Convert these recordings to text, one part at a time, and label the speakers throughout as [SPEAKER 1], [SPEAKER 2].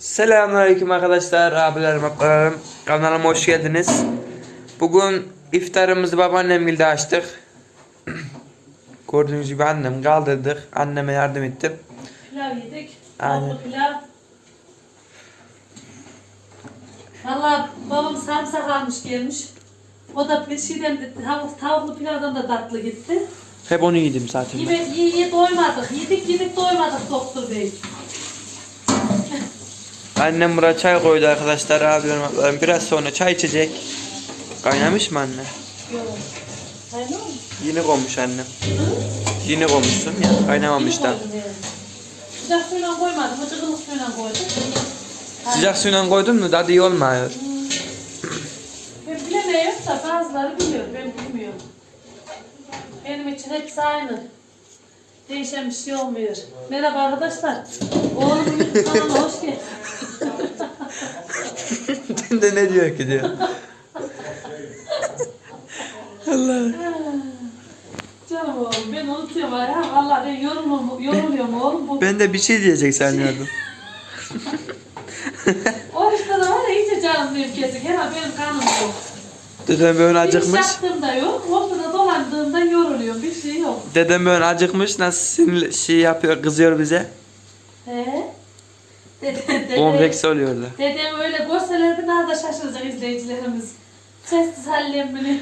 [SPEAKER 1] Selamünaleyküm arkadaşlar, abilerim, ablalarım. Kanalıma hoş geldiniz. Bugün iftarımızı babaannemgilde açtık. Gördüğünüz gibi annem kaldırdık. Anneme yardım ettim.
[SPEAKER 2] Pilav yedik.
[SPEAKER 1] Aynen.
[SPEAKER 2] Tavuklu pilav. Valla babam sarımsak almış gelmiş. O da bir şeyden tavuklu pilavdan da tatlı gitti.
[SPEAKER 1] Hep onu yedim zaten.
[SPEAKER 2] Yiye doymadık. Yedik doymadık doktor bey.
[SPEAKER 1] Annem buraya çay koydu arkadaşlar, abilerim, ablalarım. Biraz sonra çay içecek. Kaynamış mı anne?
[SPEAKER 2] Yok. Aynen mi?
[SPEAKER 1] Yeni koymuş annem. Yeni koymuşsun ya, kaynamamış da.
[SPEAKER 2] Sıcak suyla koymadım. Cıgılık suyla koydum.
[SPEAKER 1] Sıcak suyla koydun mu tadı iyi olmuyor.
[SPEAKER 2] Ben bilemiyorum da bazıları biliyor. Ben bilmiyorum. Benim için hepsi aynı. Değişen bir şey olmuyor. Merhaba arkadaşlar. Oğlum YouTube kanalına hoş geldin.
[SPEAKER 1] De ne diyor ki diyor. Allah.
[SPEAKER 2] Canım oğlum ben unutuyorum ya. Allah ben yoruluyorum oğlum.
[SPEAKER 1] Ben de bir şey diyecek sanıyordum.
[SPEAKER 2] Oruçta da var ya iyice canım benim kesik. Herhalde benim kanım yok.
[SPEAKER 1] Dedem böyle
[SPEAKER 2] Bir iş
[SPEAKER 1] acıkmış.
[SPEAKER 2] yaptığımda yok. Ortada dolandığımda yoruluyorum. Bir şey yok.
[SPEAKER 1] Dedem böyle acıkmış, nasıl sinirli şey yapıyor, kızıyor bize.
[SPEAKER 2] He?
[SPEAKER 1] Kompleks oluyordu.
[SPEAKER 2] Dedem öyle görselerdi daha da şaşıracak izleyicilerimiz. Sessiz hallemini.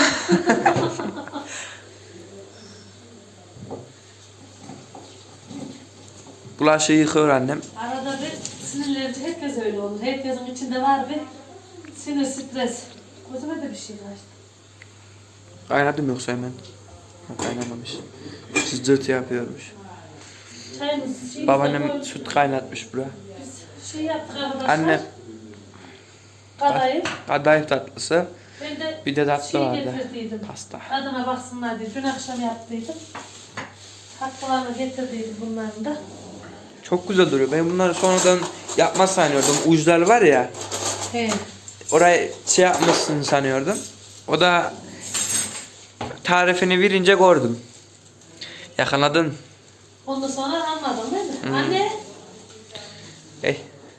[SPEAKER 1] Bulaşığı yıkıyor annem.
[SPEAKER 2] Arada bir sinirlenince herkes öyle olur. Herkesin içinde var bir sinir, stres. Gözüme de bir şey kaçtı.
[SPEAKER 1] Kaynadım yoksa hemen. Kaynamamış. Cızırtı yapıyormuş.
[SPEAKER 2] Çayımız şeyimiz
[SPEAKER 1] Babaannem süt kaynatmış bura.
[SPEAKER 2] Biz şey yaptık arkadaşlar.
[SPEAKER 1] Anne.
[SPEAKER 2] Kadayıf.
[SPEAKER 1] Kadayıf tatlısı.
[SPEAKER 2] Ben de
[SPEAKER 1] Bir de tatlı
[SPEAKER 2] şey
[SPEAKER 1] vardı.
[SPEAKER 2] getirdiydim.
[SPEAKER 1] Pasta.
[SPEAKER 2] Adına baksınlar diye. Dün akşam yaptıydım. Tatlılarını getirdiydim bunların da.
[SPEAKER 1] Çok güzel duruyor. Ben bunları sonradan yapmaz sanıyordum. Uçlar var ya.
[SPEAKER 2] He.
[SPEAKER 1] Orayı şey yapmışsın sanıyordum. O da tarifini verince gördüm. Yakaladın.
[SPEAKER 2] Ondan sonra anladım değil mi? Anne.
[SPEAKER 1] Ey.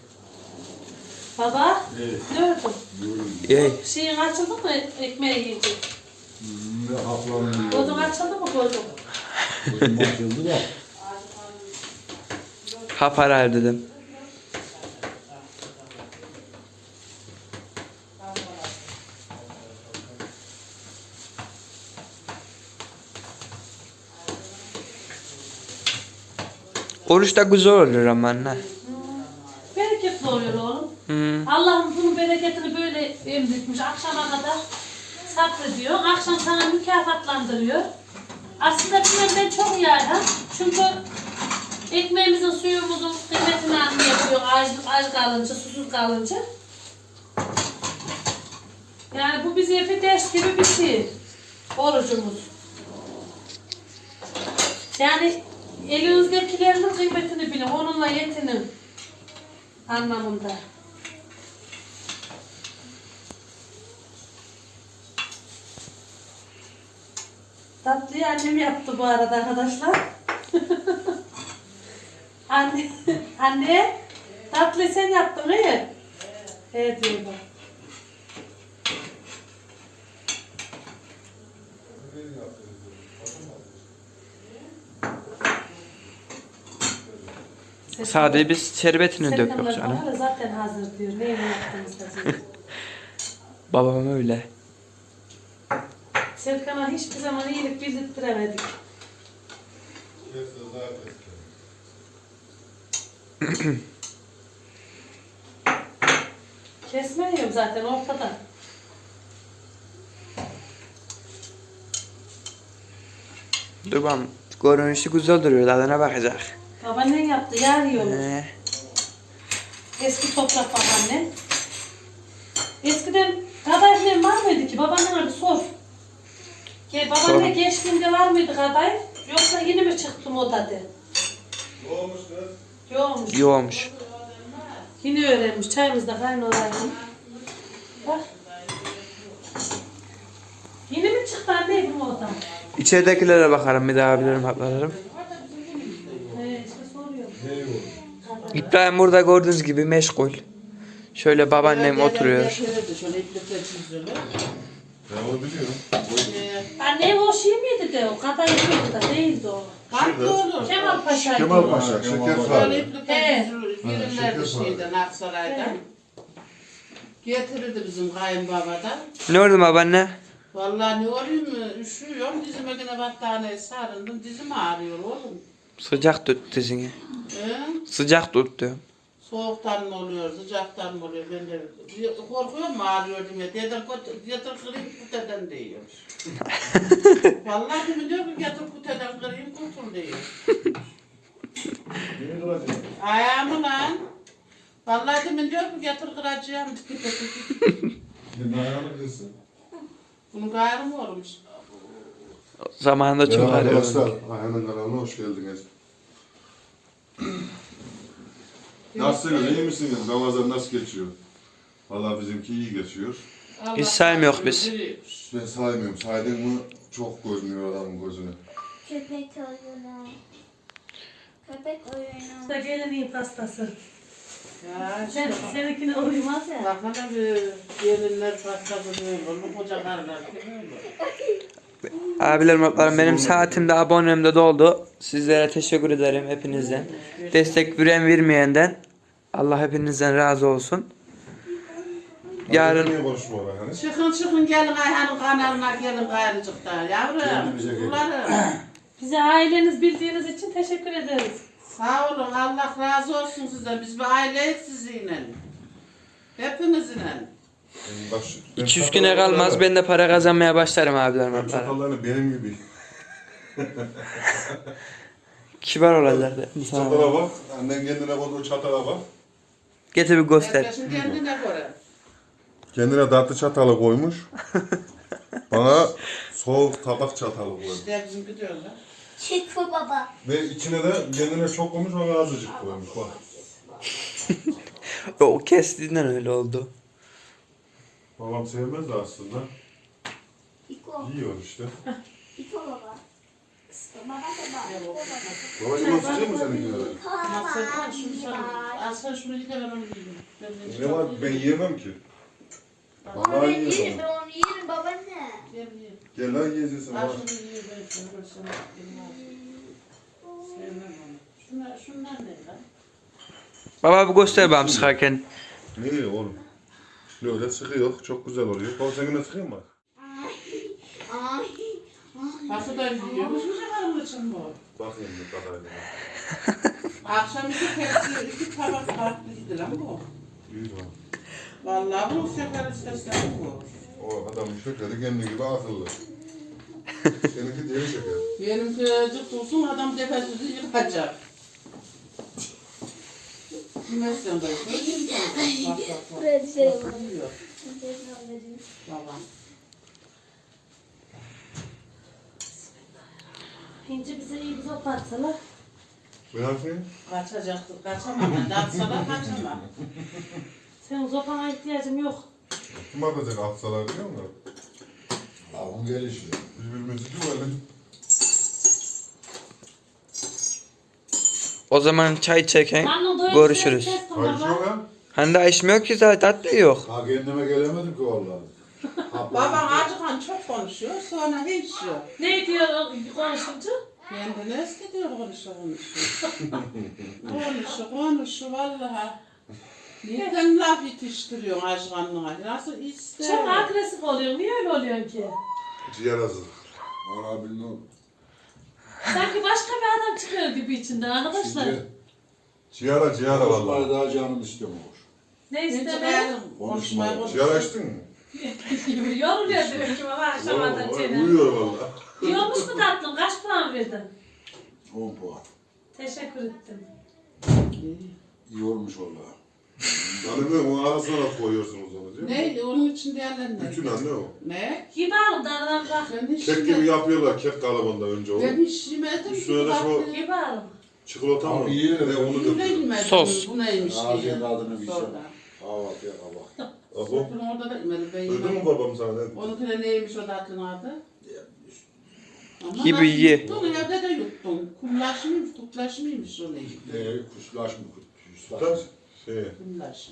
[SPEAKER 2] Baba.
[SPEAKER 3] Evet.
[SPEAKER 2] Ne ördün?
[SPEAKER 1] Ey.
[SPEAKER 2] Şeyin açıldı mı ekmeği yiyecek?
[SPEAKER 3] Ne haplanıyor?
[SPEAKER 2] Gözün açıldı mı gözün?
[SPEAKER 3] Gözüm açıldı da.
[SPEAKER 1] Hap arar dedim. Oruç da güzel olur ama anne.
[SPEAKER 2] Bereketli oluyor oğlum.
[SPEAKER 1] Hı.
[SPEAKER 2] Allah'ım bunun bereketini böyle emretmiş. Akşama kadar sabrediyor. Akşam sana mükafatlandırıyor. Aslında bilmem ben çok iyi Ayhan. Çünkü ekmeğimizin, suyumuzun kıymetini anlayabiliyor. Aç kalınca, susuz kalınca. Yani bu bize bir ders gibi bir şey. Orucumuz. Yani elinizdekilerin kıymetini bilin. Onunla yetinin. Anlamında. Tatlıyı annem yaptı bu arada arkadaşlar. Anne, tatlıyı sen yaptın iyi. Evet diyor bak.
[SPEAKER 1] Sadece biz şerbetini döktük
[SPEAKER 2] Serkanlar
[SPEAKER 1] canım.
[SPEAKER 2] bana da zaten hazır diyor. Neyle yaptığımızda diyor.
[SPEAKER 1] Babam öyle.
[SPEAKER 2] Serkan'a hiçbir zaman iyilik bildirttiremedik. Kesmiyorum zaten ortada.
[SPEAKER 1] Dur bakalım. Görünüşü güzel duruyor. Tadına bakacak.
[SPEAKER 2] Babaannen yaptı, yar yiyormuş.
[SPEAKER 1] Ee,
[SPEAKER 2] Eski toprak babaannen. Eskiden kadayıflar var mıydı ki? Babaannene bir sor. Babaanne
[SPEAKER 1] Sor.
[SPEAKER 2] geçtiğinde var mıydı kadayıf? Yoksa yeni mi çıktı moda de? Yokmuş.
[SPEAKER 1] iyi olmuş.
[SPEAKER 2] Yeni öğrenmiş. Çayımız da kaynıyor. Bak. Yeni mi çıktı anne bu moda?
[SPEAKER 1] İçeridekilere bakarım bir daha bilirim, ablalarım.
[SPEAKER 2] İşte soruyorum.
[SPEAKER 3] Ne yok?
[SPEAKER 1] İbrahim burada gördüğünüz gibi meşgul. Şöyle babaannem oturuyor.
[SPEAKER 4] Şöyle iplikle çiziyorlar.
[SPEAKER 3] Ben onu biliyorum.
[SPEAKER 2] Annem o şey miydi de o kadar yapıyordu da değildi o.
[SPEAKER 4] Kalpli olur.
[SPEAKER 2] Kemal Paşa'ydı.
[SPEAKER 3] Kemal
[SPEAKER 2] o.
[SPEAKER 3] Paşa, şeker
[SPEAKER 4] Böyle
[SPEAKER 3] fare.
[SPEAKER 4] iplikle çiziyorlar. Verirlerdi
[SPEAKER 3] şeker
[SPEAKER 4] şeyden, Aksaray'dan. Getirirdi bizim kayınbabadan.
[SPEAKER 1] Ne oldu babaanne?
[SPEAKER 4] Vallahi ne olayım mı? Üşüyorum. Dizime yine battaniye sarıldım. Dizim ağrıyor oğlum.
[SPEAKER 1] Sıcak tut dizini.
[SPEAKER 4] He?
[SPEAKER 1] Sıcak tut diyorum.
[SPEAKER 4] Soğuktan mı oluyor, sıcaktan mı oluyor? Ben de korkuyorum ağrıyor diye. Dedim yatır kırayım kuteden diyor. Vallahi demin diyor ki yatır kuteden kırayım kurtul diyor.
[SPEAKER 3] Beni kıracak.
[SPEAKER 4] Ayağımı lan. Vallahi demin diyor ki yatır kıracağım diyor.
[SPEAKER 3] Senin ayağını kırsın.
[SPEAKER 4] Bunun gayrı mı olmuş?
[SPEAKER 1] Zamanında çok
[SPEAKER 3] Merhaba
[SPEAKER 1] arıyorum.
[SPEAKER 3] arkadaşlar, Ayhan'ın kanalına hoş geldiniz. Nasılsınız, iyi misiniz? Ramazan nasıl geçiyor? Vallahi bizimki iyi geçiyor.
[SPEAKER 4] Allah
[SPEAKER 1] Biz saymıyoruz biz.
[SPEAKER 4] biliyoruz.
[SPEAKER 3] Ben saymıyorum, saydın mı çok görünüyor adamın gözüne.
[SPEAKER 5] Köpek oyunu. Köpek oyunu.
[SPEAKER 2] Bu da geleneğin pastası.
[SPEAKER 4] Ya
[SPEAKER 2] Sen,
[SPEAKER 4] işte
[SPEAKER 2] seninkine uymaz ya.
[SPEAKER 4] bakana bir gelinler pastası böyle olur, koca karılar böyle.
[SPEAKER 1] Abilerim, ablalarım, benim saatim de abonem de doldu. Sizlere teşekkür ederim hepinizden. Destek veren vermeyenden Allah hepinizden razı olsun. Yarın
[SPEAKER 3] Niye konuşmuyorlar hani?
[SPEAKER 4] Çıkın gelin Ayhan'ın kanalına gelin gayrıcıkta yavrum.
[SPEAKER 3] Kendimize gelin.
[SPEAKER 4] Ularım.
[SPEAKER 2] Bize aileniz bildiğiniz için teşekkür ederiz.
[SPEAKER 4] Sağ olun Allah razı olsun sizden. Biz bir aileyiz sizinle. Hepinizle.
[SPEAKER 3] Bak,
[SPEAKER 1] 2-3 güne kalmaz ben de para kazanmaya başlarım abilerim,
[SPEAKER 3] Ben
[SPEAKER 1] ablalarım.
[SPEAKER 3] çatallarını benim gibi.
[SPEAKER 1] Kibar olacaklar.
[SPEAKER 3] Çatala bak, annen kendine koyduğu çatala bak.
[SPEAKER 1] Getir bir göster.
[SPEAKER 4] Herkesin kendine göre.
[SPEAKER 3] Kendine tatlı çatalı koymuş. Bana soğuk tabak çatalı koymuş.
[SPEAKER 4] İşte bizim gidiyorlar.
[SPEAKER 5] Şıkkı baba.
[SPEAKER 3] Ve içine de kendine çok koymuş, bana azıcık koymuş bak.
[SPEAKER 1] O kestiğinden öyle oldu.
[SPEAKER 3] Babam sevmez de aslında.
[SPEAKER 5] İko.
[SPEAKER 3] Yiyor işte.
[SPEAKER 5] İko baba. Baba baba.
[SPEAKER 3] Babacım o sıcak mı seninkiler?
[SPEAKER 4] Maksatlar şunu sana. Aslan şunu yıka ben onu yiyeyim. Ben
[SPEAKER 3] Ne var? Ben yiyemem ki.
[SPEAKER 5] Onu
[SPEAKER 3] Vallahi
[SPEAKER 5] ben yerim.
[SPEAKER 3] yiyemem.
[SPEAKER 5] Ben onu yerim babaanne.
[SPEAKER 4] Gel ye.
[SPEAKER 3] Gel lan yiyeceksin.
[SPEAKER 4] Al
[SPEAKER 3] bak.
[SPEAKER 4] şunu ye ben sana. Sevmem onu. Şunlar ne lan?
[SPEAKER 1] Baba bir göster bana sıkarken.
[SPEAKER 3] Ne oğlum? Böyle sıkıyor. Çok güzel oluyor. Baba sen yine sıkıyor mu?
[SPEAKER 5] Ay.
[SPEAKER 4] Nasıl da yiyormuş mu canım için bu?
[SPEAKER 3] Bakayım bir kadarıyla.
[SPEAKER 4] Akşam iki tabak farklıydı lan bu.
[SPEAKER 3] İyi tamam.
[SPEAKER 4] Vallahi bu sefer istesem bu.
[SPEAKER 3] O adamın şekeri kendi gibi akıllı. Seninki deri şeker.
[SPEAKER 4] Benimki cık olsun adam tepesizi yıkacak. Bilmezsen de söyleyeyim. Bak bak bak.
[SPEAKER 5] Buraya bir şey
[SPEAKER 4] Nasıl
[SPEAKER 5] yapalım.
[SPEAKER 4] yiyor babam.
[SPEAKER 2] İnci bize iyi bir sopa atsalar.
[SPEAKER 3] Ben yapayım.
[SPEAKER 4] Kaçacaktır, kaçamam. Ben dansalar kaçamam.
[SPEAKER 2] Senin sopana ihtiyacım yok.
[SPEAKER 3] Kim atacak atsalar biliyor musun?
[SPEAKER 6] Avun gelişi.
[SPEAKER 3] Birbirimizi güvelim.
[SPEAKER 1] O zaman çay çeken
[SPEAKER 2] Anne doyum
[SPEAKER 1] görüşürüz.
[SPEAKER 2] ses kestim
[SPEAKER 3] Hayır
[SPEAKER 2] baba.
[SPEAKER 3] şu lan.
[SPEAKER 1] Hani daha içmiyor ki zaten, tatlı yok.
[SPEAKER 6] Ha kendime gelemedim ki vallahi.
[SPEAKER 4] Babam acıkan çok konuşuyor, sonra hiç yok.
[SPEAKER 2] Ne diyor o konuşunca?
[SPEAKER 4] Kendine eski diyor konuşuyor. Konuşuyor vallahi. Nereden laf yetiştiriyorsun acıkanlığa? Nasıl ister?
[SPEAKER 2] Çok agresif oluyor. Niye öyle oluyor ki?
[SPEAKER 3] Ciğer hazır.
[SPEAKER 6] Ana bilmiyorum.
[SPEAKER 2] Sanki başka bir adam çıkıyor gibi içinden arkadaşlar.
[SPEAKER 3] Ciğera
[SPEAKER 6] Vallahi
[SPEAKER 3] vallahi.
[SPEAKER 6] daha canım istemiyor.
[SPEAKER 2] Ne
[SPEAKER 4] Hiç
[SPEAKER 2] istemem?
[SPEAKER 4] beğendim. Konuşmayı
[SPEAKER 3] Ciğer açtın mı?
[SPEAKER 2] Yoruluyor diyor ki baba akşamdan
[SPEAKER 3] Oo,
[SPEAKER 2] çene.
[SPEAKER 3] uyuyor vallahi.
[SPEAKER 2] Yiyormuş mu tatlım? Kaç puan verdin?
[SPEAKER 6] 10 puan.
[SPEAKER 2] Teşekkür ettim.
[SPEAKER 6] İyi olmuş vallahi.
[SPEAKER 3] Anne onu arasına koyuyorsunuz onu değil mi?
[SPEAKER 4] Ne? Onun için diğerlerine.
[SPEAKER 3] Bütün anne o.
[SPEAKER 4] Ne?
[SPEAKER 2] Gibi alın dardan bırak.
[SPEAKER 4] Ben hiç
[SPEAKER 3] Kek gibi
[SPEAKER 4] yemedim.
[SPEAKER 3] yapıyorlar kek kalıbında önce onu.
[SPEAKER 4] Ben hiç yemedim.
[SPEAKER 3] Üstüne de şu-
[SPEAKER 2] Gibi alın.
[SPEAKER 3] Çikolata mı?
[SPEAKER 6] Abi iyi.
[SPEAKER 3] Ne onu
[SPEAKER 4] Ben
[SPEAKER 3] döküyor.
[SPEAKER 4] yemedim.
[SPEAKER 1] Sos.
[SPEAKER 4] Bu neymiş diye.
[SPEAKER 6] Ağzının adını bir şey.
[SPEAKER 4] Sonra.
[SPEAKER 6] Kahvaltı ya kahvaltı.
[SPEAKER 3] Aho.
[SPEAKER 4] Ben orada da yemedim. Ben
[SPEAKER 3] Duydun mu
[SPEAKER 4] yemedim.
[SPEAKER 3] babam sana ne?
[SPEAKER 4] Onunkine neymiş o tatlının adı? Ama
[SPEAKER 1] Gibi
[SPEAKER 4] nasıl
[SPEAKER 1] ye.
[SPEAKER 4] yuttun? Evde de yuttun. Kumlaş mıymış, kuklaş mıymış o neymiş?
[SPEAKER 6] Kuşlaş mı
[SPEAKER 3] Sütlaç. Şey,
[SPEAKER 4] Bunlar.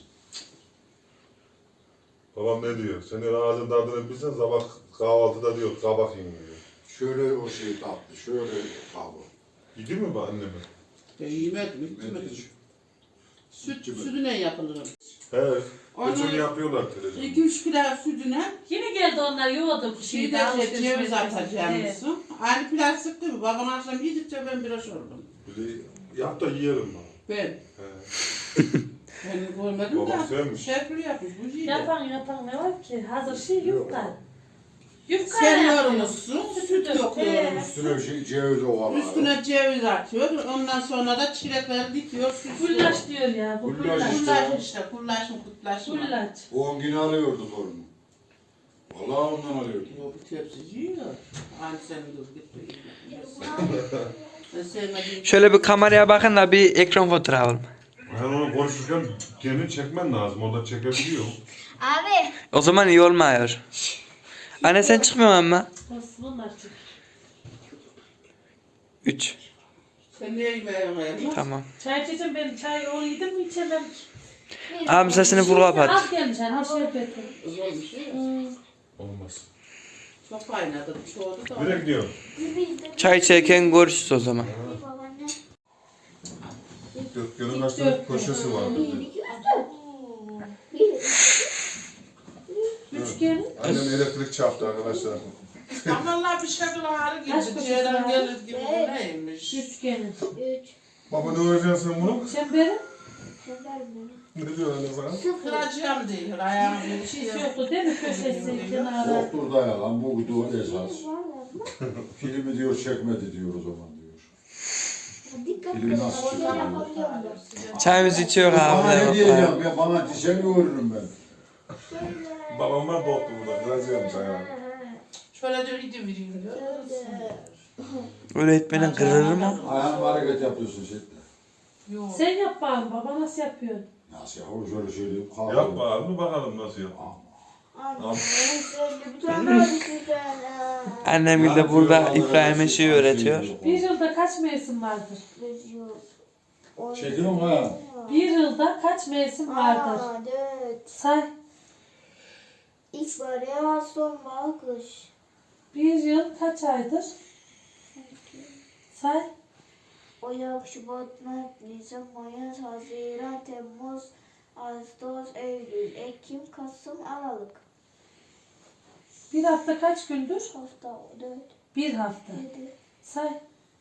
[SPEAKER 3] babam ne diyor? Senin ağzın tadını bilsen sabah kahvaltıda diyor kabak yiyin diyor.
[SPEAKER 6] Şöyle o şey tatlı, şöyle kabı.
[SPEAKER 3] Yedi mi bu annemi?
[SPEAKER 4] Ben yemedim,
[SPEAKER 6] Ben
[SPEAKER 4] yemedim.
[SPEAKER 6] hiç
[SPEAKER 4] Sütüne yapılır.
[SPEAKER 3] He.
[SPEAKER 4] Onu-
[SPEAKER 3] Geçen yapıyorlar televizyonda.
[SPEAKER 4] 2-3 pilav sütüne
[SPEAKER 2] Yine geldi onlar yoğurdu.
[SPEAKER 4] şeyde ceviz atacağımızı. Aynı pilav sıktı mı? Babam akşam yedikçe ben biraz oldum.
[SPEAKER 3] Bir de yap da yiyelim bana.
[SPEAKER 4] Ben.
[SPEAKER 3] He.
[SPEAKER 4] Ben görmedim
[SPEAKER 3] Babam
[SPEAKER 4] de.
[SPEAKER 3] sevmiş.
[SPEAKER 4] Şefli yapmış bu şeyde.
[SPEAKER 2] Yapan ne var ki? Hazır şey yufka. Yufka
[SPEAKER 4] Sen
[SPEAKER 2] yapıyor.
[SPEAKER 4] yormuşsun, süt döküyorsun.
[SPEAKER 6] üstüne şey, ceviz ovalar.
[SPEAKER 4] Üstüne ceviz atıyor. Ondan sonra da çilekleri dikiyor. süslüyor.
[SPEAKER 2] Gullaç diyor ya. Bu
[SPEAKER 6] Gullaç
[SPEAKER 2] gullaç.
[SPEAKER 4] Kullaş işte, kullaş mı kutlaş mı?
[SPEAKER 2] Gullaç.
[SPEAKER 6] O 10 gün alıyordu torunu. Vallahi ondan alıyordu.
[SPEAKER 4] Yo, bir tepsi yiyor. Aynı senin gibi gitti. Ben sevmediğim
[SPEAKER 1] Şöyle bir kameraya bakın da bir ekran fotoğrafı alalım.
[SPEAKER 3] Ben onu konuşurken kendini çekmen lazım. Orada çekebiliyor.
[SPEAKER 5] Abi.
[SPEAKER 1] O zaman iyi olmuyor. Anne sen çıkmıyorsun ama.
[SPEAKER 2] Nasıl bunlar çık?
[SPEAKER 1] 3.
[SPEAKER 4] Sen niye yemeğe
[SPEAKER 1] Tamam.
[SPEAKER 2] Çay içeceğim ben. Çay onu yedim mi içemem.
[SPEAKER 1] Abi sesini full kapat.
[SPEAKER 2] Az gelmiş hani şey yapıyordum.
[SPEAKER 4] Olmuş ya.
[SPEAKER 3] Olmaz.
[SPEAKER 4] Çok kaynadı, çoğuldu da.
[SPEAKER 3] Nereye gidiyorsun?
[SPEAKER 1] Çay içerken görüşürüz o zaman.
[SPEAKER 5] Babaanne.
[SPEAKER 3] Gökhan'ın kaç tane köşesi var dedi.
[SPEAKER 2] Üçgen.
[SPEAKER 3] Annem elektrik çarptı arkadaşlar.
[SPEAKER 4] Vallahi bir şakıl ağrı
[SPEAKER 2] Kaç
[SPEAKER 4] gibi,
[SPEAKER 2] köşesi
[SPEAKER 4] ciğerden
[SPEAKER 2] var?
[SPEAKER 4] gelir gibi bu neymiş?
[SPEAKER 2] Üçgenin.
[SPEAKER 5] 3.
[SPEAKER 3] Baba ne öğreceksin sen bunu?
[SPEAKER 2] Çemberi.
[SPEAKER 3] Ne diyor anne sana?
[SPEAKER 4] Kıracağım değil, ayağım bir şey
[SPEAKER 2] Hiç
[SPEAKER 4] yok.
[SPEAKER 2] yoktu değil mi köşesi kenarı?
[SPEAKER 6] Yoktur da yalan, bu da esas. Filmi diyor çekmedi diyor o zaman diyor.
[SPEAKER 5] Dikkat
[SPEAKER 6] Film
[SPEAKER 5] et.
[SPEAKER 6] nasıl
[SPEAKER 5] Oraya
[SPEAKER 6] çekiyor?
[SPEAKER 5] yapabiliyorum.
[SPEAKER 1] Çayımızı içiyor
[SPEAKER 6] Bana ne
[SPEAKER 1] abi.
[SPEAKER 6] diyeceğim ya, bana dişe mi vururum ben?
[SPEAKER 3] Babam var boktu burada. Kıracağım sana.
[SPEAKER 4] Şöyle diyor, gidin vereyim diyor.
[SPEAKER 1] Öğretmenin kırılır mı?
[SPEAKER 6] Ayağım hareket yapıyorsun şey.
[SPEAKER 4] Yok.
[SPEAKER 2] Sen yap bakalım baba nasıl yapıyorsun?
[SPEAKER 6] Nasıl yapalım şöyle söyleyeyim. kalk.
[SPEAKER 3] Yapma abi bakalım nasıl yap.
[SPEAKER 5] Anne. Bir tane daha düşünsene.
[SPEAKER 1] Annem de burada İbrahim'e şey öğretiyor.
[SPEAKER 2] Bir yılda kaç mevsim vardır?
[SPEAKER 6] Çekiyor mu ha?
[SPEAKER 2] Bir yılda kaç mevsim vardır?
[SPEAKER 5] 4.
[SPEAKER 2] Say.
[SPEAKER 5] İlkbahar, yaz, sonbahar, kış.
[SPEAKER 2] Bir yıl kaç aydır? Say.
[SPEAKER 5] Ocak, Şubat, Mart, Nisan, Mayıs, Haziran, Temmuz, Ağustos, Eylül, Ekim, Kasım, Aralık.
[SPEAKER 2] Bir hafta kaç gündür?
[SPEAKER 5] Hafta 4,
[SPEAKER 2] Bir hafta.
[SPEAKER 5] 7.
[SPEAKER 2] Say.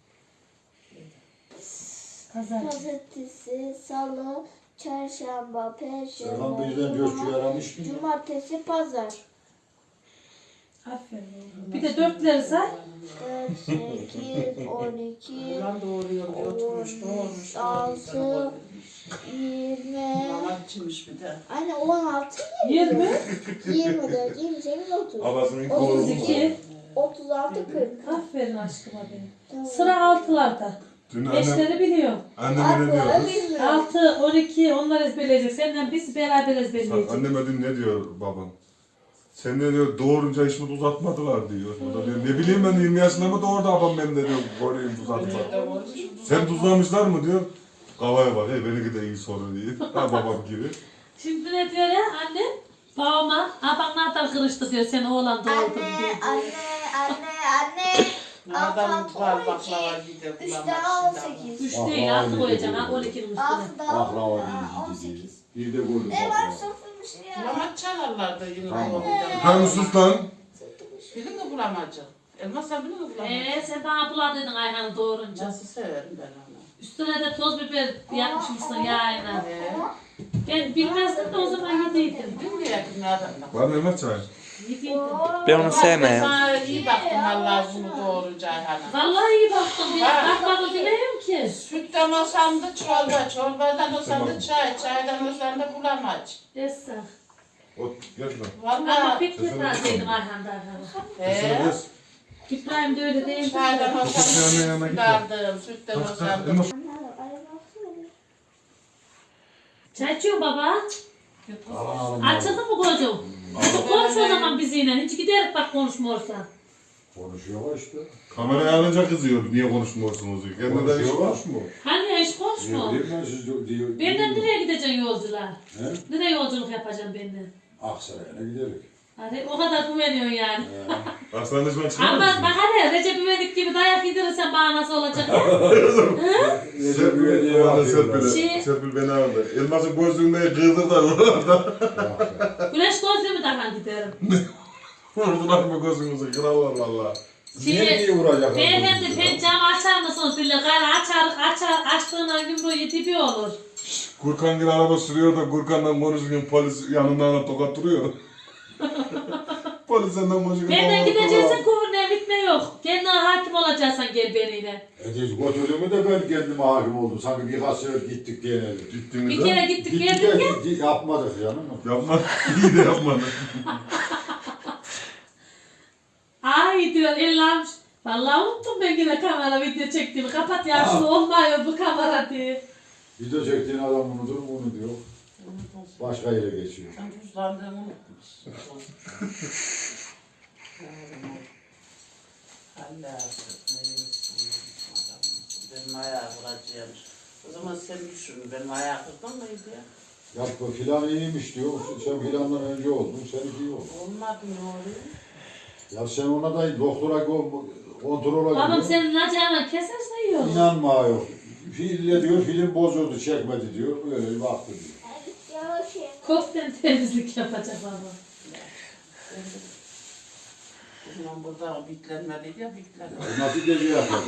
[SPEAKER 2] Pazar.
[SPEAKER 5] Pazartesi, Salı, Çarşamba,
[SPEAKER 6] Serhan
[SPEAKER 5] Perşembe,
[SPEAKER 6] bizden coşku
[SPEAKER 5] Cuma,
[SPEAKER 6] yaramış mı?
[SPEAKER 5] Cumartesi, Pazar.
[SPEAKER 2] Aferin oğlum. Bir de dörtleri say.
[SPEAKER 5] 4, 8, 12,
[SPEAKER 4] Ulan doğruyor, oturmuş, doğurmuş.
[SPEAKER 5] 6, 20.
[SPEAKER 4] Mama içmiş bir de.
[SPEAKER 5] Anne 16,
[SPEAKER 2] 20,
[SPEAKER 5] 24, 28, 30.
[SPEAKER 3] Babasının kolu mu?
[SPEAKER 2] 32.
[SPEAKER 5] 36, 40.
[SPEAKER 2] Aferin aşkıma benim. Sıra altılarda.
[SPEAKER 3] Dün annem,
[SPEAKER 2] Beşleri biliyorum.
[SPEAKER 3] anneme ne diyor kız?
[SPEAKER 5] bilmiyorum.
[SPEAKER 2] 6, 12 onlar ezberleyecek. Senden biz beraber
[SPEAKER 3] Bak,
[SPEAKER 2] ezberleyeceğiz.
[SPEAKER 3] anneme dün ne diyor babam? Sen de diyor doğurunca hiç mi uzatmadılar diyor. O da diyor ne bileyim ben 20 yaşında mı doğurdu babam benim de diyor koruyayım uzatma. Sen tuzlamışlar mı diyor. Kavaya bak hey benimki de iyi soru diyor. Ha babam gibi.
[SPEAKER 2] Şimdi ne diyor ya anne? Babama, abanlardan kırıştı diyor sen oğlan doğurdun diyor.
[SPEAKER 5] Anne.
[SPEAKER 4] Adam var baklava gidiyor.
[SPEAKER 5] 3 daha 18.
[SPEAKER 2] 3 değil 6 koyacaksın ha 12'nin üstüne.
[SPEAKER 5] 6 daha
[SPEAKER 6] Baklava değil,
[SPEAKER 5] 18.
[SPEAKER 6] bir de golü
[SPEAKER 5] Ne var
[SPEAKER 6] baklava.
[SPEAKER 5] sıfırmış ya.
[SPEAKER 4] Bulamaç çalarlar da yine
[SPEAKER 6] Tamam.
[SPEAKER 4] doğruyacağım.
[SPEAKER 3] Sen sus lan.
[SPEAKER 4] Bilin mi bulamacı? Elmas sen bilin mi bulamacı?
[SPEAKER 2] Sen bana buladıydın Ayhan'ı doğurunca.
[SPEAKER 4] Nasıl severim ben onu.
[SPEAKER 2] Üstüne de toz biber yapmışsın yağına.
[SPEAKER 4] Ee,
[SPEAKER 2] Ben bilmezdim de o zaman yediydim.
[SPEAKER 4] Bilmiyor yakın adamlar.
[SPEAKER 3] Var mı elmas çay?
[SPEAKER 2] Yediydim.
[SPEAKER 1] Ben onu sevmem.
[SPEAKER 4] Sana iyi baktım Allah bunu doğurunca Ayhan'a.
[SPEAKER 2] Vallahi iyi baktım ya. Bakmadım demiyorum ki.
[SPEAKER 4] Sütten olsam da çorba, çorbadan olsam da çay, çaydan olsam da bulamaç.
[SPEAKER 2] Esra.
[SPEAKER 3] Ot gel lan.
[SPEAKER 2] Ama
[SPEAKER 4] Vallahi
[SPEAKER 2] pek gitmezdim Ayhan'da Ayhan'a.
[SPEAKER 3] Kız.
[SPEAKER 2] İbrahim de öyle değildi.
[SPEAKER 4] çaydan olsam
[SPEAKER 3] Kızın yanına
[SPEAKER 4] da
[SPEAKER 3] git.
[SPEAKER 4] dardım, sütten olsam da.
[SPEAKER 3] Elmas.
[SPEAKER 2] Çay içiyor baba.
[SPEAKER 6] Aman
[SPEAKER 2] Açıldı mı kocam? Konuş o zaman bizimle. Hiç giderek bak konuşmuyorsan.
[SPEAKER 6] Konuşuyor işte.
[SPEAKER 3] Kamerayı alınca kızıyor. Niye konuşmuyorsunuz diye. Kendine de hiç
[SPEAKER 6] Konuşuyor.
[SPEAKER 3] konuşmuyor.
[SPEAKER 2] Hani hiç
[SPEAKER 6] Ne
[SPEAKER 2] konuşma.
[SPEAKER 6] bileyim ben siz diyor.
[SPEAKER 2] Benden nereye gideceksin yolculuğa?
[SPEAKER 6] He?
[SPEAKER 2] Nereye yolculuk yapacaksın benden?
[SPEAKER 6] Aksaray'a giderik.
[SPEAKER 2] Hadi o kadar güveniyorsun yani.
[SPEAKER 3] Hastaneden
[SPEAKER 2] Ama
[SPEAKER 3] çıkar
[SPEAKER 2] bak
[SPEAKER 3] mısın?
[SPEAKER 2] hadi Recep İvedik gibi dayak yedirirsen bana nasıl olacak ya?
[SPEAKER 3] Serpil beni aldı. Elmas'ın gözlüğünde kırdırdılar oralarda.
[SPEAKER 2] Güneş gözlüğümü takan giderim.
[SPEAKER 3] Vurdular mı gözünüzü? Krallar valla.
[SPEAKER 6] Niye vuracak?
[SPEAKER 2] Beyefendi pencamı açar mısınız? Dille gayrı açtığına yumruğu dibi olur.
[SPEAKER 3] Gürkan gibi araba sürüyor da Gürkan'dan konuşurken polis yanından alıp tokat duruyor. Polis senden konuşurken
[SPEAKER 2] Benden gideceksin kuvurmaya bitme yok. Kendine hakim olacaksan gel beniyle.
[SPEAKER 6] Götürdüğümü de ben kendime hakim oldum. Sanki birkaç sefer gittik diye ne?
[SPEAKER 2] Bir
[SPEAKER 3] Gittiğimizde
[SPEAKER 2] kere gittik
[SPEAKER 6] Gittik
[SPEAKER 2] geldik ya.
[SPEAKER 6] de yapmadık canım.
[SPEAKER 3] yapma. İyi de yapmadı.
[SPEAKER 2] Ay diyor ellermiş. Vallahi unuttum ben yine kamera video çektiğimi. Kapat ya şunu olmuyor bu kamera diye.
[SPEAKER 6] Video çektiğin adam unutur mu bunu diyor. Başka yere geçiyor.
[SPEAKER 4] Sen cüzdanlığını unutmuşsun. Hala artık ne yemişsin, benim ayağı vuracağım. O zaman sen düşün, benim ayağı kırdın mıydı ya?
[SPEAKER 6] Ya bu filan iyiymiş diyor. Sen filandan önce oldun. Seninki iyi oldu.
[SPEAKER 4] Olmadı ne oluyor?
[SPEAKER 6] Ya sen ona da doktora kontrola
[SPEAKER 2] Babam
[SPEAKER 6] gidiyor.
[SPEAKER 2] senin acağına keserse iyi olur.
[SPEAKER 6] İnanma yok. Filmle diyor, film bozuldu, çekmedi diyor. Böyle bir baktı diyor.
[SPEAKER 5] Yavaş ye.
[SPEAKER 2] Kopten temizlik yapacak baba.
[SPEAKER 4] O zaman burada bitlenmeliydi ya bitlenmedi.
[SPEAKER 6] Nasıl gece yapıyor?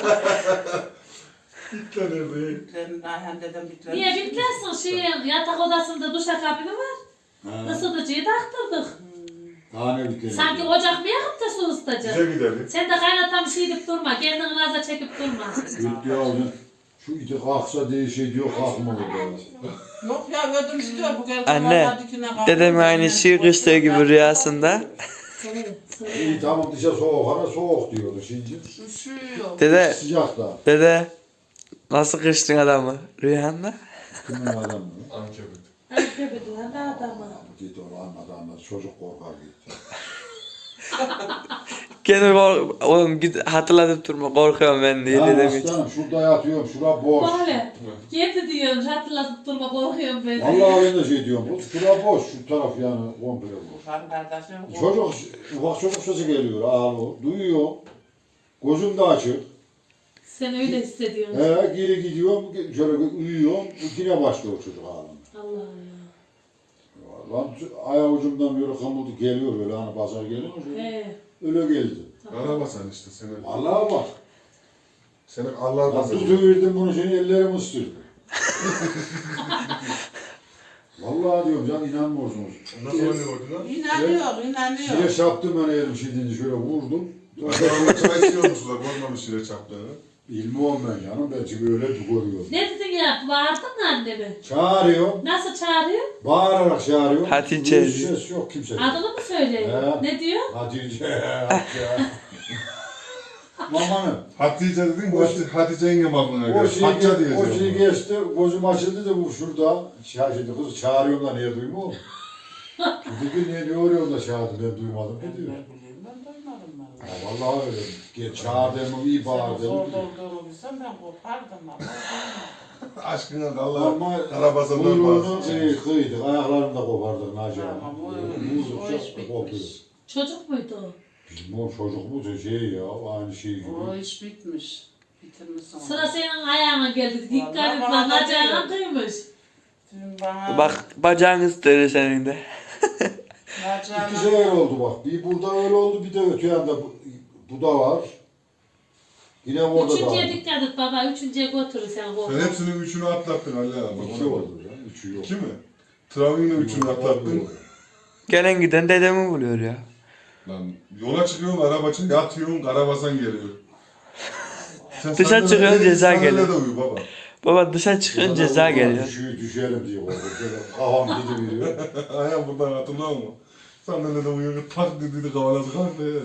[SPEAKER 4] Bitlen, Ayhan dedem bitlenmiş.
[SPEAKER 2] Niye bitlersin? Yatak odasında duşakabini var. Isıtıcıyı taktırdık.
[SPEAKER 6] Daha ne bitti?
[SPEAKER 2] Sanki ocak mı yakıp da su ısıtacak?
[SPEAKER 3] Bize gidelim.
[SPEAKER 2] Sen de kaynatan bir şey deyip durma. Kendini naza çekip durma.
[SPEAKER 6] Gitti aldı. Şu iti kalksa değişiyor diyor, kalkmadı diyor.
[SPEAKER 4] Yok ya ödüm istiyor bu geldi.
[SPEAKER 1] Anne, dedem aynı şey kıştığı gibi rüyasında.
[SPEAKER 6] İyi tamam dışarı soğuk, hana soğuk diyordu şimdi.
[SPEAKER 4] Üşüyor.
[SPEAKER 1] Dede,
[SPEAKER 6] Sıcakta.
[SPEAKER 1] dede nasıl kıştın adamı rüyanda?
[SPEAKER 6] Kimin adamı?
[SPEAKER 3] Ankebet.
[SPEAKER 2] Ne adamı?
[SPEAKER 6] Gitti onu anladı. Çocuk korkar gitti.
[SPEAKER 1] Kendimi oğlum git hatırlatıp durma korkuyorum ben diye
[SPEAKER 6] Ya
[SPEAKER 1] dedem için.
[SPEAKER 6] aslanım şurada yatıyorum, şura boş.
[SPEAKER 2] Böyle. Kendi diyorum hatırlatıp durma korkuyorum ben.
[SPEAKER 6] Vallahi ben de şey diyorum, şura boş, şu taraf yani komple boş.
[SPEAKER 4] Ben kardeşim.
[SPEAKER 6] Çocuk, ufak çocuk sesi geliyor, ağlıyor, duyuyor. Gözüm de açık.
[SPEAKER 2] Sen öyle hissediyorsun.
[SPEAKER 6] Geri gidiyorum, şöyle uyuyorum, yine başlıyor çocuk ağlamaya.
[SPEAKER 2] Allah Allah.
[SPEAKER 6] Lan ayak ucumdan böyle kamuldu geliyor böyle hani pazar geliyor mu? Öyle geldi.
[SPEAKER 3] Karabasan işte senin.
[SPEAKER 6] Allah'a bak.
[SPEAKER 3] Senin Allah'a
[SPEAKER 6] Ya
[SPEAKER 3] basın.
[SPEAKER 6] tutuverdim bunu seni ellerim ısırdı. Vallahi diyorum can inanmıyorsunuz.
[SPEAKER 3] Nasıl oynuyordun lan?
[SPEAKER 4] İnanıyor, inanıyor.
[SPEAKER 6] Şile çarptım ben elim şidince şöyle vurdum.
[SPEAKER 3] Adamın çay içiyormuşlar. Görmemiş şile çaptığını.
[SPEAKER 6] Bilmiyorum ben canım ben çünkü öyle görüyorum.
[SPEAKER 2] Ne dedin ya? Bağırdın mı annemi?
[SPEAKER 6] Çağırıyor.
[SPEAKER 2] Nasıl çağırıyor?
[SPEAKER 6] Bağırarak çağırıyor.
[SPEAKER 1] Hatice.
[SPEAKER 6] Ses yok kimse.
[SPEAKER 2] Adını mı söylüyor?
[SPEAKER 6] He.
[SPEAKER 2] Ne diyor?
[SPEAKER 6] Hatice. Hatice. Mamanım.
[SPEAKER 3] Hatice dedin, Hatice yengem aklına
[SPEAKER 6] O
[SPEAKER 3] geldi.
[SPEAKER 6] şey,
[SPEAKER 3] Hatice diye
[SPEAKER 6] o şey
[SPEAKER 3] yazıyor.
[SPEAKER 6] geçti, gözüm açıldı da bu şurada. Şimdi kız çağırıyorum da niye duymuyor mu? Dedi ki ne oluyor da çağırdı ben duymadım. Ne diyor?
[SPEAKER 4] Ne bileyim ben duymadım ben.
[SPEAKER 6] Ya vallahi öyle. Gel çağırdığımı iyi
[SPEAKER 4] Senin
[SPEAKER 6] bağırdım.
[SPEAKER 4] zorda olduğumu bilsem ben kopardım ama.
[SPEAKER 3] Aşkına da Allah
[SPEAKER 6] Ama
[SPEAKER 3] Karabasan'dan
[SPEAKER 6] kuyruğunu
[SPEAKER 3] bahsediyor.
[SPEAKER 6] kıydık, ayaklarını da kopardık Naci
[SPEAKER 4] Tamam, o
[SPEAKER 6] abi.
[SPEAKER 4] iş bitmiş.
[SPEAKER 6] Kopuyor.
[SPEAKER 2] Çocuk muydu o?
[SPEAKER 6] Bizim o çocuk mu şey ya, aynı şey gibi.
[SPEAKER 4] O iş bitmiş. Bitirmişsin.
[SPEAKER 2] Sıra senin ayağına geldi. Dikkat
[SPEAKER 4] Vallahi
[SPEAKER 2] et
[SPEAKER 4] bana
[SPEAKER 2] lan.
[SPEAKER 4] da
[SPEAKER 2] Acayip
[SPEAKER 4] diyor.
[SPEAKER 2] kıymış.
[SPEAKER 4] Dün bana
[SPEAKER 1] Bak bacağın ısıtırır senin de.
[SPEAKER 4] bacağına-
[SPEAKER 6] İki sefer oldu bak. Bir burada öyle oldu, bir de öte yanda bu da var. Yine orada da
[SPEAKER 2] Üçüncüye
[SPEAKER 6] var.
[SPEAKER 2] dikkat et baba. Üçüncüye götürür sen
[SPEAKER 3] Sen
[SPEAKER 2] korkma.
[SPEAKER 3] hepsinin üçünü atlattın Ali abi. Bak
[SPEAKER 6] İki
[SPEAKER 3] ona bak.
[SPEAKER 6] oldu ya, üçü yok.
[SPEAKER 3] İki mi? Travin'in üçünü atlattın.
[SPEAKER 1] Gelen giden dedemi buluyor ya.
[SPEAKER 3] Lan yola çıkıyorsun, araba çık, yatıyorsun, Karabasan geliyor. Sen
[SPEAKER 1] Dışarı
[SPEAKER 3] sandalyede-
[SPEAKER 1] çıkıyorsun, ceza
[SPEAKER 3] sandalyede
[SPEAKER 1] geliyor.
[SPEAKER 3] uyu baba.
[SPEAKER 1] Baba dışarı çıkınca ceza geliyor.
[SPEAKER 6] Düşelim diye oldu. Şöyle kafam gidiveriyor.
[SPEAKER 3] Ayağım buradan hatırlar mı? Sandalyede uyuyor, tak dedi kavalası kalktı.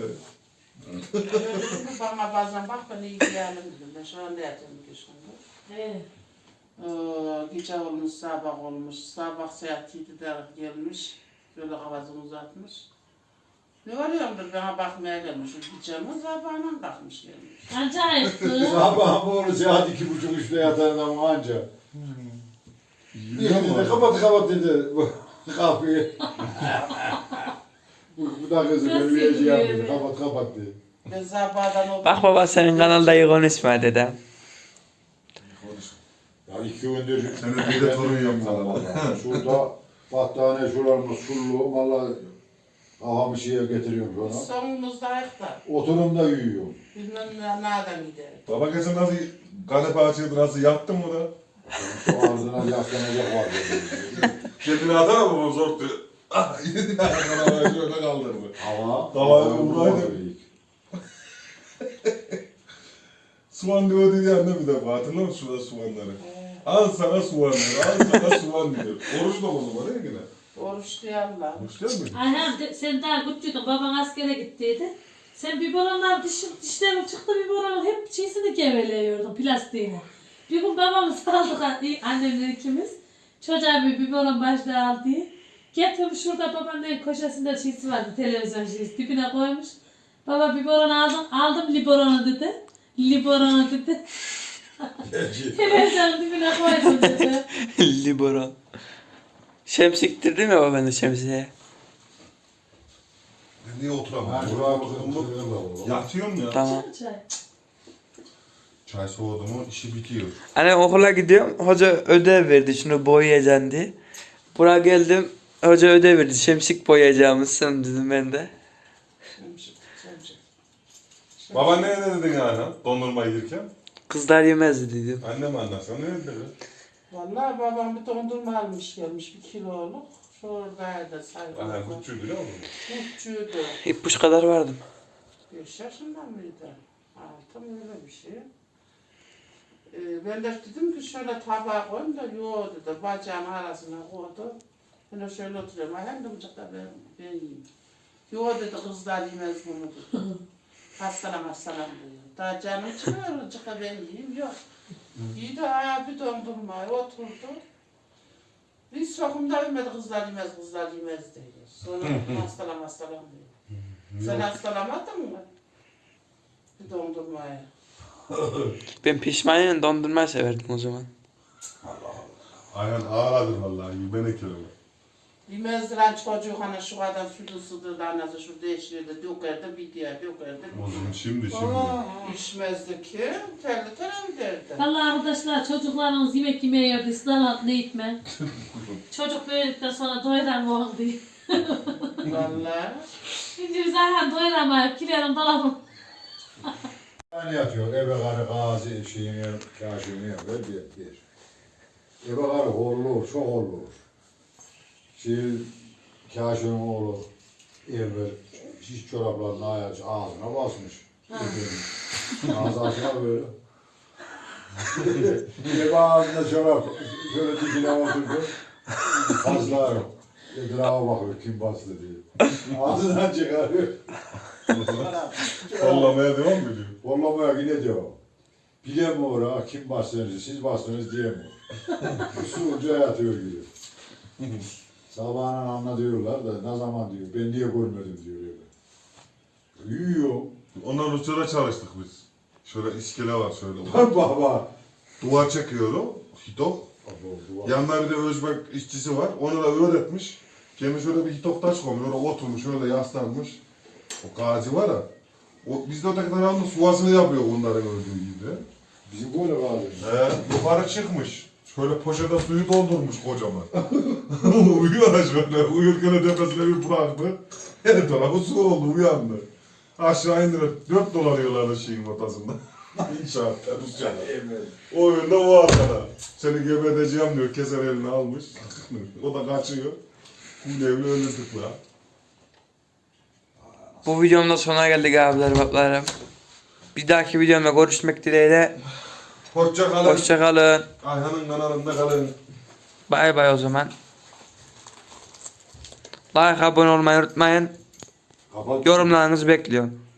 [SPEAKER 4] Şimdi bana bazen bak ben iyi geldim dedim. Ben şu anda yatıyorum ki şimdi.
[SPEAKER 2] He.
[SPEAKER 4] Gece olmuş, sabah olmuş. Sabah saat 7'de gelmiş. Böyle kafasını uzatmış. Ne oluyordur bana bakmaya gelmiş. Gideceğimiz sabahına kalkmış gelmiş.
[SPEAKER 2] Acayipti.
[SPEAKER 6] Sabah bu saat 2.30-3'te yatar adam anca. Bir dedi kapat dedi. Kapıyı. Bu da kızı
[SPEAKER 2] Nasıl
[SPEAKER 6] böyle şey yapıyor.
[SPEAKER 2] yapıyor?
[SPEAKER 6] Kapat dedi.
[SPEAKER 4] Ben sabahdan o...
[SPEAKER 1] Bak baba senin kanalda iyi konuşma dedem.
[SPEAKER 6] Ya 2 gündür
[SPEAKER 3] Senin bir de torun yok sana.
[SPEAKER 6] şurada battaniye şuralarımız sullu. Valla kafamı şeye getiriyorum sonra.
[SPEAKER 4] Sonumuzda ayakta.
[SPEAKER 6] Oturumda uyuyorum.
[SPEAKER 4] Bilmem nereden gider.
[SPEAKER 3] Baba geçen nasıl kanepe açıyordu, nasıl yattın mı da?
[SPEAKER 6] Şu ağzına yaslanacak var dedi.
[SPEAKER 3] Kendini atar mı zor diyor. Ah yedi ayaklarına şöyle kaldırdı.
[SPEAKER 6] Ama
[SPEAKER 3] Kafayı vuraydı. Soğan diyordu ya ne bir defa hatırlıyor musun şurada soğanları? Al sana soğanları, al sana soğan diyor. Oruç da o zaman değil mi yine?
[SPEAKER 4] Oruç diye Allah.
[SPEAKER 3] Oruç değil mi?
[SPEAKER 2] Ayhan sen daha küçüktün. Baban askere gittiydi. Sen biberonlar dişlerim çıktı biberonun hep çiğsini geveliyordun plastiğine. Bir gün babamı saldık annemle ikimiz. Çocuğa bir biberon başlığı aldı. Getirmiş şurada babanın köşesinde çiğsi vardı televizyon çiğsi dibine koymuş. Baba biberon aldım liberonu dedi. Liberonu dedi. Televizyonun dibine koydum dedi.
[SPEAKER 1] Libero. Şemsiktir değil mi baba ben de şemsiye?
[SPEAKER 3] Niye oturamam?
[SPEAKER 6] Ben şuraya bakıyorum.
[SPEAKER 3] Yatıyorum ya.
[SPEAKER 1] Tamam.
[SPEAKER 2] Çay.
[SPEAKER 3] Çay soğudu mu işi bitiyor.
[SPEAKER 1] Hani okula gidiyorum. Hoca ödev verdi. Şunu boyayacaksın diye. Buraya geldim. Hoca ödev verdi. Şemsik boyayacağımızsın dedim ben de.
[SPEAKER 4] Çemşik.
[SPEAKER 3] Baba ne dedin yani dondurma yerken?
[SPEAKER 1] Kızlar yemezdi dedim.
[SPEAKER 3] Annem anlarsa ne dedi?
[SPEAKER 4] Vallahi babam bir dondurma almış gelmiş 1 kiloluk. Şuradaydı sayılır.
[SPEAKER 3] Annem küçüğü biliyor musun?
[SPEAKER 4] Kutçuydu.
[SPEAKER 1] İpuç kadar vardım.
[SPEAKER 4] 5 yaşında mıydı? 6 mı öyle bir şey. Ben de dedim ki şöyle tabağa koyayım da yoğurdu da bacağın arasına koydu. Ben de şöyle oturuyorum. Hem de bıçakta ben yiyeyim. Yoğurt dedi kızlar yemez bunu dedi. Hastalan diyor. Daha canım çıkıyor bıçakta ben yiyeyim yok. Yedi abi dondurmayı oturdu. Biz sokumda ölmedi kızlar yemez diyor. Sonra hastalan diyor. Sen hastalamadın mı? Bir dondurmayı.
[SPEAKER 1] Ben pişmanıyla dondurma severdim o zaman.
[SPEAKER 3] Aynen ağladır vallahi yemeğine kelime.
[SPEAKER 4] Yemezdiren çocuk hani şu kadar sütü ısıtırdı anası şu değişirdi dökerdi bir diye dökerdi.
[SPEAKER 3] O zaman şimdi.
[SPEAKER 4] İçmezdi ki terli terli derdi.
[SPEAKER 2] Vallahi arkadaşlar çocuklarınız yemek yemeye yerdi. İslam ne itme. Çocuk böyledikten sonra doyuramıyor diye.
[SPEAKER 4] Vallahi.
[SPEAKER 2] Şimdi biz Ayhan doyuramayıp kilerim dolabım.
[SPEAKER 6] Yani yatıyor. Ebe karı gazi şeyini, kaşığını yapıyor. Bir. Ebe karı horlu olur, çok horlu olur. Kaşığın oğlu evvel şiş çoraplarını ağzına basmış. Ağzı açına böyle. Ebe ağzında çorap. Şöyle dikine oturdu. Fazla yok. Etrafa bakıyor kim bastı diye. Ağzından çıkarıyor.
[SPEAKER 3] Kollamaya devam mı ediyor?
[SPEAKER 6] Kollamaya yine diyor. Bilemiyor ha kim bastınız, siz bastınız diyemiyor. Usulca yatıyor gibi. Sabahın anlatıyorlar da ne zaman diyor, ben niye görmedim diyor. Uyuyor.
[SPEAKER 3] Ondan uçlara çalıştık biz. Şöyle iskele var şöyle.
[SPEAKER 6] Baba.
[SPEAKER 3] Duvar çekiyorum. Hitok. Yanında bir de özbek işçisi var. Onu da öğretmiş. Kendi şöyle bir hitok taş koymuş. Öyle oturmuş, şöyle yaslanmış. O gacı var ya. O, biz de öteki tarafında suvasını yapıyor onların öldüğü gibi.
[SPEAKER 6] Bizim böyle kaldı.
[SPEAKER 3] Yukarı çıkmış. Şöyle poşete suyu doldurmuş kocaman. Uyuyor da şöyle. Uyurken tepesine bir bıraktı. Her tarafı su oldu, uyandı. Aşağı indirip 4 dolanıyorlardı şeyin ortasında. İnşaatta, Rusça'da. O yönde o arkada. Seni gebedeceğim diyor, keser elini almış. O da kaçıyor. Bu evli öldürdük la.
[SPEAKER 1] Bu videomda sona geldik abiler bablarım. Bir dahaki videomda görüşmek dileğiyle.
[SPEAKER 3] Hoşça kalın.
[SPEAKER 1] Hoşça kalın.
[SPEAKER 3] Ayhan'ın kanalında kalın.
[SPEAKER 1] Bay bay o zaman. Like abone olmayı unutmayın.
[SPEAKER 6] Kapat.
[SPEAKER 1] Yorumlarınızı bekliyorum.